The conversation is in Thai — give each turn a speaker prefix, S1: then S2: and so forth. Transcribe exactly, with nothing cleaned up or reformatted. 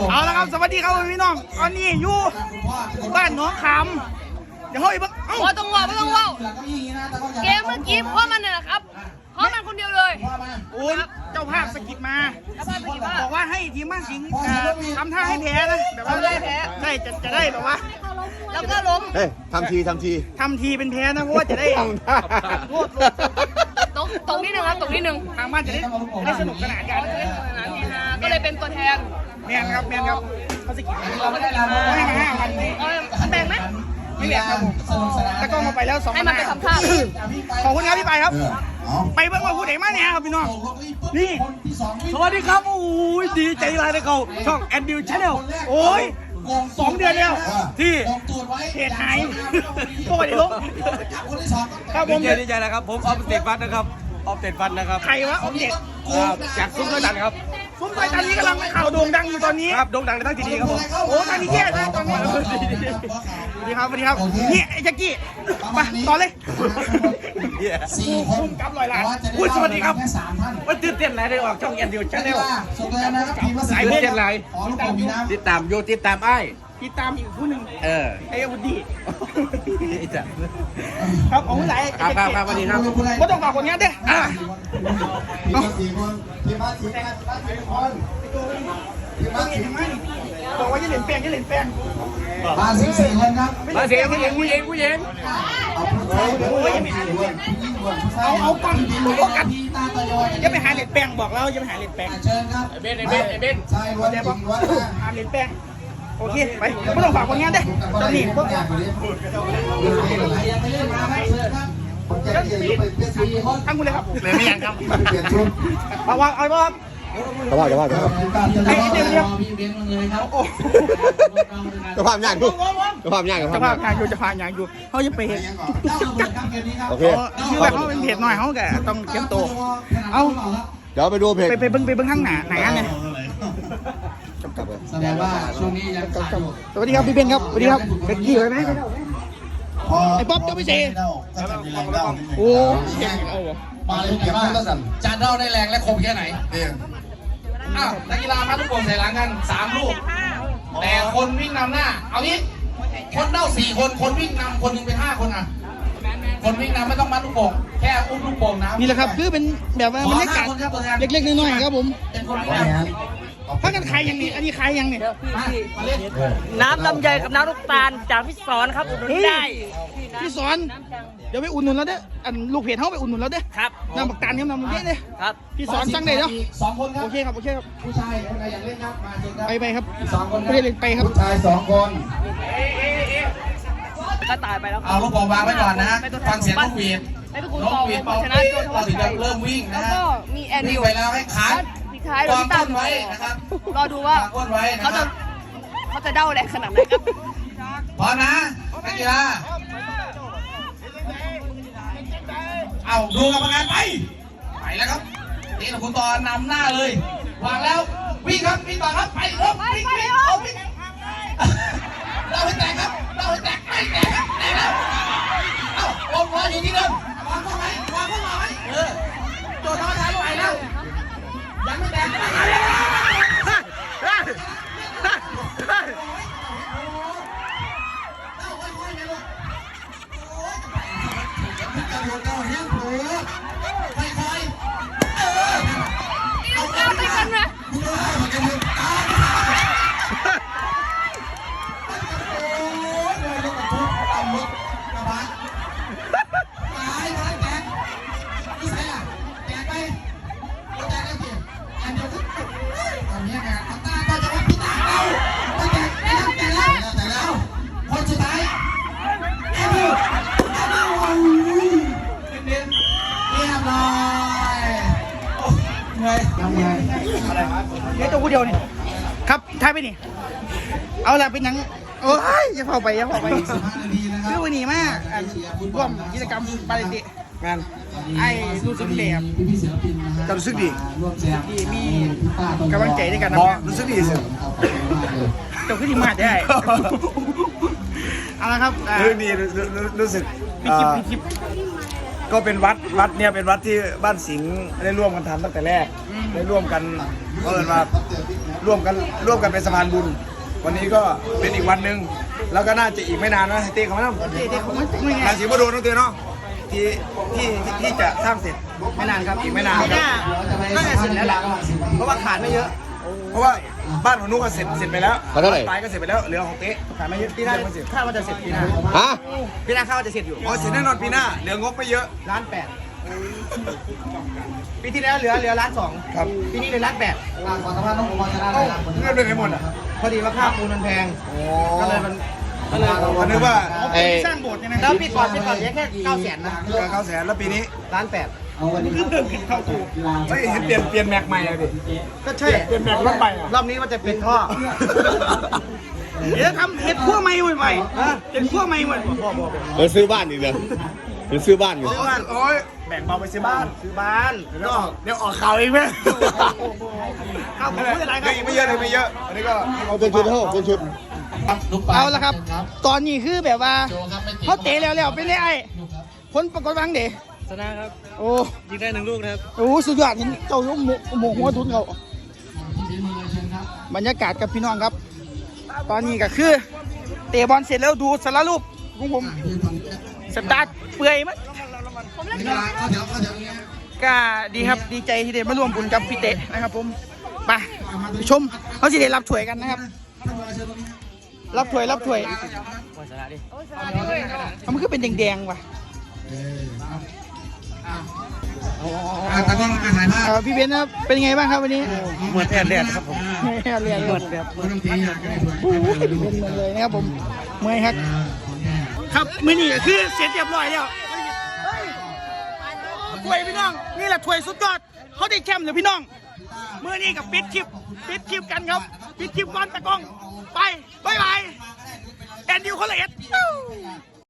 S1: เอาละครับสวัสดีครับพี่น้องตอนนี้อยู่บ้านหนองคำเดี๋ยวเฮ้ยบ้างเอ้า
S2: ไม่ต้องว่าไม่ต้องว่าเกมเมื่อกี้เพราะมันเนี่ยนะครับเพราะมันคนเดียวเลย
S1: โอ้ยเจ้าภาพสกิดมา
S2: แล้วพาไปกี่บ้า
S1: บอกว่าให้ทีมบ้านสิงห์ทำท่าให้แพ้นะแบบว่าได้แพ้ได้จะจะได้แบบว่า
S2: แล้วก็ล้ม
S3: เฮ้ยทำทีทำที
S1: ทำทีเป็นแพ้นะเพราะว่าจะได้
S3: ทำท่า
S1: โทษ
S2: ตรงตรงนิดนึงครับตรงนิดนึง
S1: ทางบ้านจะได้จะได้สนุกสนานกัน
S2: ก็เลยเป็นตัวแทน
S1: แมนครับแมนครับเขาสกิดเราไม่ได้ลาให้มาห้าพันนี่
S2: เอาแบ่งไหม
S1: ไม่แบ่งครับผมตะกล้องมาไปแล้วสอง
S2: ให้มันไปทำท่า
S1: ขอบคุณครับพี่ไปครับไปเบิ่งว่าผู้ใดมาเนี่ยครับพี่น้องนี่
S4: สวัสดีครับโอ้ยดีใจหลายเลยเขาช่องแอนดิวชาแนล
S1: โอ้ยสองเดือนแล้ว
S4: ที่
S1: เพจหายโอ้ยลงครับผ
S4: ดี
S1: ม
S4: ใจดีใจนะครับผมออฟเตดฟันนะครับออฟเตดฟันนะครับ
S1: ใครวะออมเด็ด
S4: ครับจากซุ้มด้วยกันครับ
S1: ซุ้มไฟตอนนี้กำลังข่าวโด่งดังอยู่ตอนนี้
S4: ครับโด่งดังในทั้งทีดีครับผม
S1: โอ้ตอนนี้แย่เลยตอนนี้สวัสดีครับสวัสดีครับนี่ไอ้แจ็คกี้ไปต่อเลย
S5: สี่คน
S1: กับลอยล้าน
S4: พูดสวัสดีครับ
S5: แค่สามท่าน
S4: วันตื่นเต้นหลายได้ออกช่องแอนดิวชาแนล
S5: ส่งเลยนะครับทีมละ
S4: หลาย
S5: สี่
S4: เพื่อนหลาย
S5: ขอลูกโป่งมีน้ำ
S4: ติดตามโยติดตามไอ้
S1: ติดตามอีกผู้หนึ่ง
S4: เออ
S1: ไอ้อาวุธดี
S4: ไอ้จ้ะ
S1: ครับของผู้ไหน
S4: ครับครับครับสวัสดีครับ
S1: ไม่ต้องฝากผลงานเด้ออ่ะ
S5: ทีมละสี่คนทีมละสี่คนทีมละสี่คนทีมละสี่คน
S1: บอกว่าจะเล่นแป้งจะเล่นแป้ง
S5: มาสิบสี่คนครับ
S4: มาเสียงผู้หญิงผู้หญิงผู้หญิง
S5: เอาผู้ชายผู้หญิงผู้หญิงผู้ชาย
S1: เอาเอากล้องโฟกัส
S5: ตาตะยอย
S1: อย่าไปหาเล่นแป้งบอกแล้วอย่าไปหาเล่นแป้ง
S5: เชิญครับ
S4: ไอ้เบนไอ้เบนไอ้เบน
S5: ชายล้วนหญิงล้วนนะ
S1: หาเล่นแป้งโอเคไปไม่ต้องฝากผลงานเด้อตอนนี้พวก
S5: อยากไปเล่นใครยังไม่เล่นมาครับเชิญครับผมแจ้งเกียรติไปเป็นสี่คน
S1: ทั้งคุณเลยครับ
S4: ไม่ไม่ยังครับ
S5: เปลี่ยนชุด
S1: เอาวางเอาวาง
S3: จะว่าจะว่าจะว่า
S1: ไอ้เดี๋ยวเดี๋ยว
S5: พี่เบนมาเลยครับ
S1: โอ้
S3: จะภาพยากดูจะภาพยากกับ
S1: จะ
S3: ภา
S1: พา
S3: พ
S1: พางอยู่จะพางอย่างอยู่เขาจะไปเห็น
S3: โอเค
S1: คือแบบเขาเป็นเพจหน่อยเขาแกต้องเตรียมตัวเอา
S3: เดี๋ยวไปดูเพจ
S1: ไปไปเบิ้งไปเบิ้งข้างหน้าไหนอันเนี่ย
S3: กลับไป
S5: แสดงว่าช่วงนี้ยังขาดอยู่
S1: สวัสดีครับพี่เบนครับสวัสดีครับเป็นกี่เลยไหมไอ้ป๊อปเจ้าไม่เซ่โอ้เก่งเอาวะ
S5: มาเลยเก็บไว้แล้วสั่น
S6: จานเท่าได้แรงและคมแค่ไหนอ้าวนักกีฬามาทุกคนใส่หลังกันสามลูก แต่คนวิ่งนำหน้า เอางี้ คนเด้าสี่คน คนวิ่งนำคนหนึ่งเป็นห้าคนอ่ะ คนวิ่งนำไม่ต้องมัดลูกโป่งแค่อุ้มลูกโป่งน้ำ
S1: นี่แหละครับคือเป็นแบบว่าบรรยากาศเล็กๆน้อยๆครับผม
S6: เป็นคนวิ่งนำ
S1: ถ้ากันใครยังนี่อันนี้ใครยังนี่
S6: มามาเล่น
S2: น้ำลำไยกับน้ำลูกตาลจากพี่สอนครับอุดหนุนได้
S1: พี่สอนเดี๋ยวไปอุ่นหนุนแล้วเด้ออันลูกเพจเขาไปอุ่นหนุนแล้วเด้อ
S2: ครับ
S1: น้ำบักตาลเนี่ยน้ำมันเยอะเลย
S2: ครับ
S1: พี่สอนสั่งได้เนาะ
S5: สองคนครับ
S1: โอเคครับโอเคครับ
S5: ผู้ชายคนใดอยากเล่นครับมาเชิญครับ
S1: ไปไปครับ
S5: สองคน
S1: ไม่ได้เล่นไปครับ
S5: ผู้ชายสองคน
S2: ก็ตายไปแล้ว
S6: เอาลูกโป่งวางไว้ก่อนนะ ฟังเสียงนกหวีด
S2: ให้ทุกคน
S6: น
S2: ต
S6: ก
S2: อบ
S6: หวีด
S2: ว่า
S6: เป่า
S2: ชนะ
S6: ปี๊
S2: ตัว
S6: เราถึงจะเริ่มวิ่ง
S2: แล้
S6: นะ
S2: ว
S6: ฮะ
S2: ก็มีแอน
S6: วิ่
S2: ดิ
S6: ง
S2: ว
S6: ไปแล้วให้ขา
S2: ปิดท้าย
S6: ก
S2: เรา
S6: อง
S2: พี่ตั้
S6: ก้
S2: ม
S6: นไว้นะครับ
S2: รอดูว่า
S6: ก้นไว้นะ
S2: เขา
S6: ค
S2: จะ
S6: รับ
S2: เขาจะเด้าแรงขนาดไหนครับ
S6: พร้อมนะนักกีฬาเอาดูกรรมการไป ไปแล้วครับนี่เราคุณตอนนำหน้าเลย วางแล้ว วิ่งครับ วิ่งต่อครับ ไปเริ่มวิ่งวิ่งเอาวิ่งเราให้แตกครับเราให้แตกไม่แตกครับแตกแล้วเอ้าลงรออยู่ที่เดิมวางเข้าไว้วางเข้ามาไว้เออโจทย์ท้อทายไปแล้วยังไม่แตกเอาเอาไปกันนะคนสุดท้ายแอนดิวแอนดิวโอ้ยเน้นเรียบร้อยเหนื่อยทำไง
S1: เดี๋ยวตัวผู้เดียวนี่ครับท้ายไปนี่เอาละเป็นหนังโอ้ยอย่าเข้าไปอย่าเข้าไปคือวันนี้มากอันร่วมกิจกรรมปาริติ
S4: งาน
S1: ไอ้รู้สึกแบบ
S5: พี่ศิลปินนะค
S4: ก็
S5: รับ
S4: รู้สึกดี
S5: ร่วมแจม
S1: ที่มีกำลังใจในการ
S4: บ
S1: ทำ
S4: อก
S1: งาน
S4: รู้สึกดีสิ
S1: เจ้าขึ้นที่มาได้เอาละครับอ่า
S4: รู้สึกดีรู้รู้รู้สึก
S1: มีคลิปมีคลิป
S4: ก็เป็นวัดวัดเนี่ยเป็นวัดที่บ้านสิงห์ได้ร่วมกันทำตั้งแต่แรกได้ร่วมกันเพราะเอิญว่าร่วมกันร่วมกันเป็นสะพานบุญ วันนี้ก็เป็นอีกวันหนึ่งแล้วก็น่าจะอีกไม่นานนะเต้เขาไม่ต้อง
S1: เด็กๆของมันไม่ไง
S4: ราศีมโดนต้องเต้เนาะที่ที่ที่จะสร้างเสร็จไม่นานครับอีกไม่นาน
S1: ไม่
S4: ครับ
S1: น่าน่าจะเสร็จแล้วล่ะเพราะว่าขาดไม่เยอะ
S4: เพราะว่าบ้านของนุ๊กก็เสร็จเสร็จไปแล้ว
S3: เขาเท่าไหร่
S4: ปลายก็เสร็จไปแล้วเหลือของเต้
S1: ขาดไม่เยอะปีหน้าคาดว่าจะเสร็จปีหน้า
S3: ฮะ
S1: ปีหน้าคาดว่าจะเสร็จอยู่
S4: อ๋อเสร็จแน่นอนปีหน้าเหลืองบไม่เยอะ
S1: ล้านแปดปีที่แล้วเหลือเหลือล้านสอง
S4: ครับ
S1: ปีนี้เหลือล้านแปด
S5: ขอสัมภาษณ์น้องผมจะได้
S4: เอ้าเงินเป็นไงหมดอ่ะ
S1: พอดีว่าค่าปูนมันแพง
S4: โอ้
S1: ก็เลยมันก็เลย
S4: ผมนึกว่า
S3: ไอ้
S1: สร้างโบสถ์ใช่ไหมแล้วปีก่อนปีก่อนเหลือแค่เก้าแสนนะ
S4: เหลือเก้าแสนแล้วปีนี้
S1: ล้านแปด
S5: เอาวันนี้
S1: คือเพิ่มขึ้นเข้าตัว
S4: ไม่เห็นเปลี่ยนเปลี่ยนแม็กใหม่เลยดิ
S1: ก็ใช่
S4: เปลี่ยนแม็กรถใหม่อะ
S1: รอบนี้ว่าจะเป็นท่อ เดี๋ยวทำเห็ดขั้วใหม่ใหม่เห็ดขั้วใหม่ใหม่พ่อบอก
S3: เดี๋ยวซื้อบ้านอีกเลยเดี๋ยวซื้อบ้านอยู่
S4: ซื้อบ้านโอ้ยแบ่งเบาไปซื้อบ้าน
S1: ซื้อบ้าน
S4: เดี๋ยวออกเดี๋ยวออกข่าวเองไหม
S1: ข้าวผมพูดอะไรค
S4: เดี๋
S1: รั
S4: ยว
S1: บ
S4: อีกไม่เยอะเลยไม่เยอะอันนี้ก็
S3: เอาเป็นชุดเท่าเป็นชุด
S1: เอาละครับ ตอนนี้คือแบบว่าเขาเตะแล้วแล้วเป็นไงไอ้ผลปรากฏวังเด๋
S4: ชนะครับ
S1: โอ้
S4: ยิงได้หนึ่งลูกนะครับ
S1: โอ้สุดยอดเห็นเจ้ายกหมหมหัวทุนเขาบรรยากาศกับพี่น้องครับ ตอนนี้ก็คือเตะบอลเสร็จแล้วดูสารรูปของผมสตาร์ทเปื่อยมั้ย
S2: ผมเล่น
S5: เว
S2: เกม
S5: ลาก็เดี๋ยวก็เดี๋ยวนี้
S1: ก็ดีครับดีใจที่ได้มาร่วมบุญกับพี่เตะนะครับผมไปชมเขาจะได้รับถ้วยกันนะครับ รับถ้วยรับถ้วย
S2: โอ้ยสาระด้วย
S1: มันคือเป็นแดงๆว่ะ
S5: อ่าตอนนี้การถ่ายภาพ
S1: เอ่อพี่เบนซ์นะครับเป็นไงบ้างครับวันนี้
S4: เหมือนแทนแดดครับผม
S1: เรียนเรียน
S4: เหมือนแบบ
S5: ไม่ต้องตีอยากได้ผล
S1: โอ้ยเป็นเหมือนเลยนะครับผมเมื่อยครับ ครับมื้อนี้ก็คือเสร็จเรียบร้อยแล้วถ้วยพี่น้องนี่แหละถ้วยสุดยอดเขาได้แชมป์เลยพี่น้องมื้อนี้กับปิดคลิปปิดคลิปกันครับปิดคลิปก่อนตะกล้องไปบ๊ายบายแอนดิวคนละเอ็ด